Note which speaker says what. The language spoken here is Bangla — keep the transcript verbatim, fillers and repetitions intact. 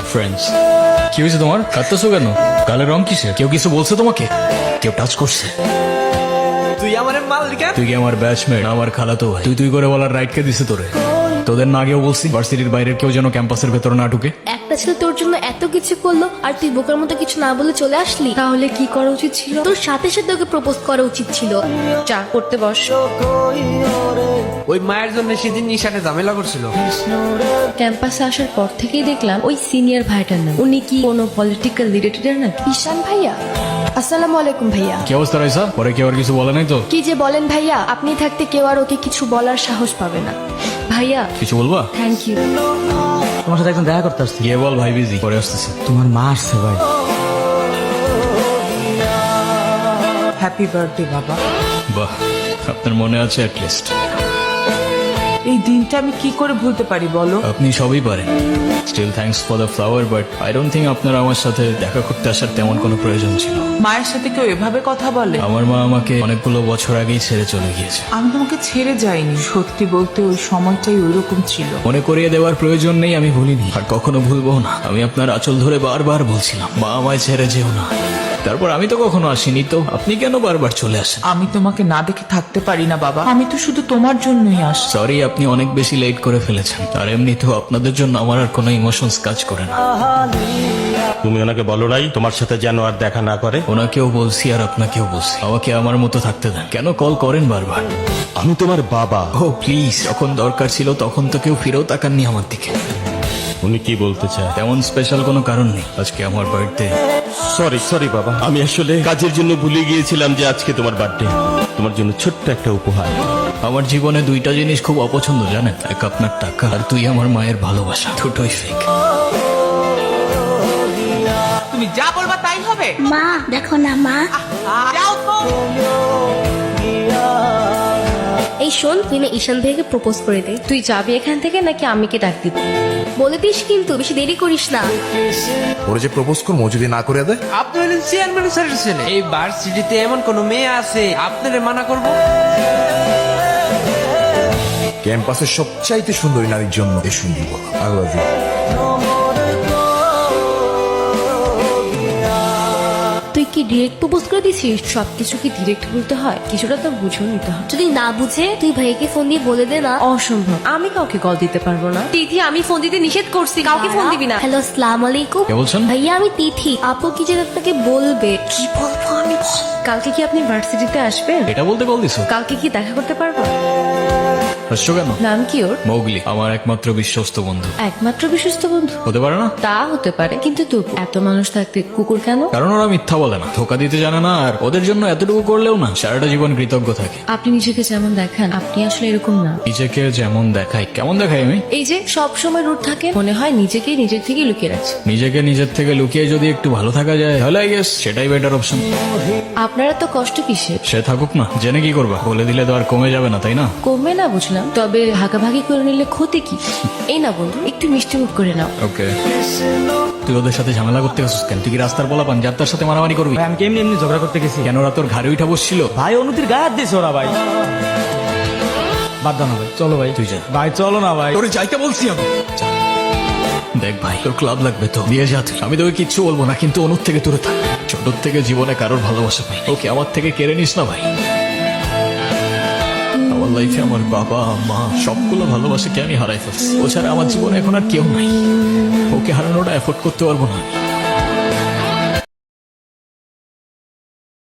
Speaker 1: ফ্রেন্ডস। কি হয়েছে তোমার? কাঁদতেছো কেন? গালের রং কিসের? কেউ কিছু বলছে তোমাকে? কেউ টাচ করছে?
Speaker 2: তুই আমার মালিকা?
Speaker 1: তুই কি আমার ব্যাচমেট? আমার খালাতো ভাই। তুই তুই করে বলার রাইট কে দিছে তোরে? তোদের না আগেও বলছি ভার্সিটির বাইরের কেউ যেন ক্যাম্পাসের ভেতরে না ঢুকে।
Speaker 3: একটা ছেলে তোর জন্য এত কিছু করলো আর তুই বোকার মতো কিছু না বলে চলে আসলি। তাহলে কি করা উচিত ছিল? তোর সাথে সাথে ওকে প্রপোজ করা উচিত ছিল। চা করতে বস।
Speaker 2: ওই মায়ের জন্য সেদিন নিশানে ঝামেলা করছিল।
Speaker 4: ক্যাম্পাসে আসার পর থেকেই দেখলাম ওই সিনিয়র ভাইটার নাম। উনি কি কোনো পলিটিক্যাল রিলেটেড নাকি?
Speaker 3: ঈশান ভাইয়া, আসসালামু আলাইকুম ভাইয়া।
Speaker 1: কি অবস্থা রাইসা? পরে কেউ আর কিছু বলে নাই তো?
Speaker 3: কি যে বলেন ভাইয়া, আপনি থাকতে কেউ আর ওকে কিছু বলার সাহস পাবে না।
Speaker 4: ভাইয়া
Speaker 1: কিছু বলবা?
Speaker 4: Thank you.
Speaker 5: তোমার সাথে একদম দেখা করতে আসছি।
Speaker 1: গিয়ে বল ভাই বিজি, পরে আসতেছি।
Speaker 5: তোমার মা আসছে ভাই।
Speaker 6: হ্যাপি বার্থডে বাবা।
Speaker 1: বাহ, আপনার মনে আছে অ্যাটলিস্ট।
Speaker 6: এই দিনটা আমি কি করে ভুলতে পারি বলো?
Speaker 1: আপনি সবই পারেন। Still thanks for the flower, but I don't think আপনার আমার সাথে দেখা করতে আসার তেমন কোনো প্রয়োজন ছিল।
Speaker 6: মায়ের সাথে কেউ এভাবে কথা বলে?
Speaker 1: আমার মা আমাকে অনেকগুলো বছর আগেই ছেড়ে চলে গিয়েছে।
Speaker 6: আমি তোমাকে ছেড়ে যাইনি, সত্যি বলতে ওই সময়টাই ওইরকম ছিল।
Speaker 1: মনে করিয়ে দেওয়ার প্রয়োজন নেই, আমি ভুলিনি আর কখনো ভুলবো না। আমি আপনার আঁচল ধরে বারবার বলছিলাম, মা আমায় ছেড়ে যেও না। তারপর আমি তো কখনো আসিনি, তো আপনি কেন বারবার চলে আসেন?
Speaker 6: আমি তোমাকে না দেখে থাকতে পারি না বাবা, আমি তো শুধু তোমার জন্যই আস।
Speaker 1: সরি, আপনি অনেক বেশি লেট করে ফেলেছেন। আর এমনিতেও আপনাদের জন্য আমার আর কোনো ইমোশনস কাজ করে না।
Speaker 7: তুমি ওনাকে বলো নাই তোমার সাথে যেন আর দেখা না করে?
Speaker 1: ওনাকেও বলছি আর আপনাকেও বলছি, আমাকে আমার মতো থাকতে দেন। কেন কল করেন বারবার?
Speaker 7: আমি তোমার বাবা।
Speaker 1: ও প্লিজ, যখন দরকার ছিল তখন তো কেউ ফিরেও তাকাননি আমার দিকে।
Speaker 7: উনি কি বলতে চায়?
Speaker 1: তেমন স্পেশাল কোনো কারণ নেই, আজকে আমার বার্থডে।
Speaker 7: সরি সরি বাবা, আমি আসলে কাজের জন্য ভুলে গিয়েছিলাম যে আজকে তোমার বার্থডে। তোমার জন্য ছোট্ট একটা উপহার।
Speaker 1: আমার জীবনে দুইটা জিনিস খুব অপছন্দ জানেন, এক আপনার টাকা আর তুই আমার মায়ের ভালোবাসা। দুটোই ফেক।
Speaker 6: তুমি যা বলবা তাই হবে।
Speaker 3: মা দেখো না মা।
Speaker 6: যাও তো।
Speaker 3: এই শোন, তুই না ঈশান ভাইকে প্রপোজ করে দে।
Speaker 4: তুই যাবি এখান থেকে নাকি আমি কি ডাক দিব?
Speaker 3: বলে দিস কিন্তু, বেশি দেরি করিস না।
Speaker 8: ওরে যে প্রপোজ করবো যদি না করে দেয়।
Speaker 2: আপনি হলেন চেয়ারম্যান স্যারের ছেলে। এই ভার্সিটিতে এমন কোন মেয়ে আছে আপনারে মানা করবো?
Speaker 8: ক্যাম্পাসের সবচাইতে সুন্দরী নারীর জন্য এই সুন্দর কথা। I love you.
Speaker 4: তুই কি ডিরেক্ট প্রপোজ করে দিছিস? সবকিছু কি ডিরেক্ট বলতে হয়? কিছুটা তো বুঝেও নিতে হয়।
Speaker 3: যদি না বুঝে তুই ভাইকে ফোন দিয়ে বলে দে না।
Speaker 4: অসম্ভব, আমি কাউকে কল দিতে পারবো না। তিথি, আমি ফোন দিতে নিষেধ করছি, কাউকে ফোন দিবি না।
Speaker 3: হ্যালো, আসসালামু আলাইকুম।
Speaker 1: কে বলছেন?
Speaker 3: ভাইয়া আমি তিথি। আপু কি যেন আপনাকে বলবে। কি বলবো আমি?
Speaker 4: কালকে কি আপনি ভার্সিটিতে আসবেন?
Speaker 1: এটা বলতে কল দিছো?
Speaker 4: কালকে কি দেখা করতে পারবো?
Speaker 1: হাসছো কেন?
Speaker 4: নাম কি ওর?
Speaker 1: মৌগলি, আমার একমাত্র বিশ্বস্ত বন্ধু।
Speaker 4: একমাত্র বিশ্বস্ত বন্ধু?
Speaker 1: হতে পারে না?
Speaker 4: তা হতে পারে, কিন্তু তবু এত মানুষ থাকতে কুকুর কেন?
Speaker 1: কারণ ওরা মিথ্যা বলে না, ধোকা দিতে জানে না, আর ওদের জন্য এতটুকু করলেও না সারাটা জীবন কৃতজ্ঞ থাকে।
Speaker 4: আপনি নিজেকে যেমন দেখান, আপনি আসলে এরকম না।
Speaker 1: নিজেকে যেমন দেখাই? কেমন দেখাই আমি?
Speaker 4: এই যে সব সময় রুট থাকে, মনে হয় নিজেকে নিজের থেকে লুকিয়ে রাখছে।
Speaker 1: নিজেকে নিজের থেকে লুকিয়ে যদি একটু ভালো থাকা যায় তাহলে আই গেস সেটাই বেটার অপশন।
Speaker 4: আপনারা তো কষ্ট কিসের?
Speaker 1: সে থাকুক না, জেনে কি করবা? বলে দিলে তো আর কমে যাবে না, তাই না?
Speaker 4: কমবে না বুঝলাম, তবে ভাগাভাগি করে নিলে ক্ষতি কি? এই না বন্ধু, একটু মিষ্টি মুখ করে নাও।
Speaker 1: ওকে, তুই ওদের সাথে ঝামেলা করতে গেছিস কেন? তুই কি রাস্তার বলা পান যার তার সাথে মারামারি করবি?
Speaker 5: ভাই আমি কেমনি এমনি ঝগড়া করতে গেছি।
Speaker 1: কেন ওরা তোর ঘাড়ে উঠা বসছিল?
Speaker 5: ভাই অনুতির গায়ে হাত দিয়েছে ওরা ভাই। বাদ দাও না ভাই, চলো ভাই।
Speaker 1: তুই যা।
Speaker 5: ভাই চলো না ভাই।
Speaker 1: তোরে যাইতে বলছি আমি। যা। দেখ ভাই, তোর ক্লাব লাগবে তো দিয়ে যা তুই। আমি তোকে কিচ্ছু বলবো না, কিন্তু অনুর থেকে দূরে থাক। ছোট থেকে জীবনে কারোর ভালোবাসা পাই, ওকে আমার থেকে কেড়ে নিস না ভাই। আমার লাইফে আমার বাবা মা সবগুলো ভালোবাসাকে আমি হারাই ফেলছি। ও ছাড়া আমার জীবনে এখন আর কেউ নাই। ওকে হারানোটা এফোর্ড করতে পারবো না।